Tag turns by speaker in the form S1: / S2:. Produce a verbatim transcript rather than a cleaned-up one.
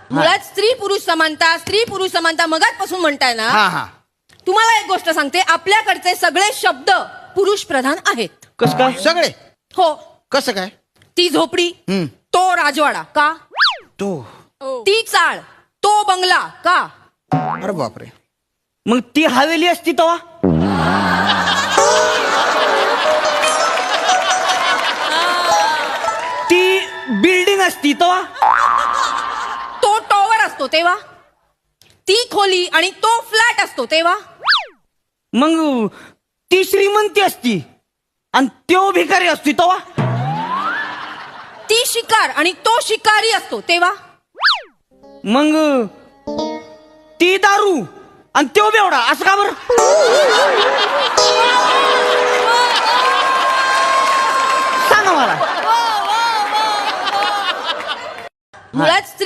S1: मुळात स्त्री पुरुष समानता स्त्री पुरुष समानता मगाचपासून म्हणताय ना.
S2: हा हा
S1: तुम्हाला एक गोष्ट सांगते, आपल्याकडचे सगळे शब्द पुरुष प्रधान आहेत.
S3: कस काय?
S2: सगळे
S1: हो.
S2: कसं काय?
S1: ती झोपडी,
S2: हम्म.
S1: तो राजवाडा का?
S2: तो
S1: ती चाळ, तो बंगला का?
S2: अरे बापरे.
S3: मग ती हवेली असती तेव्हा? ती बिल्डिंग असती तेव्हा?
S1: तो टॉवर असतो तेव्हा? ती खोली आणि तो फ्लॅट असतो तेव्हा?
S3: मग ती श्रीमंती असती आणि तो भिकारी असती तेव्हा?
S1: ती शिकार आणि तो शिकारी असतो तेव्हा?
S3: मग ती दारू आणि तो बेवडा असं का बरं? सांगा मला.
S1: मुळात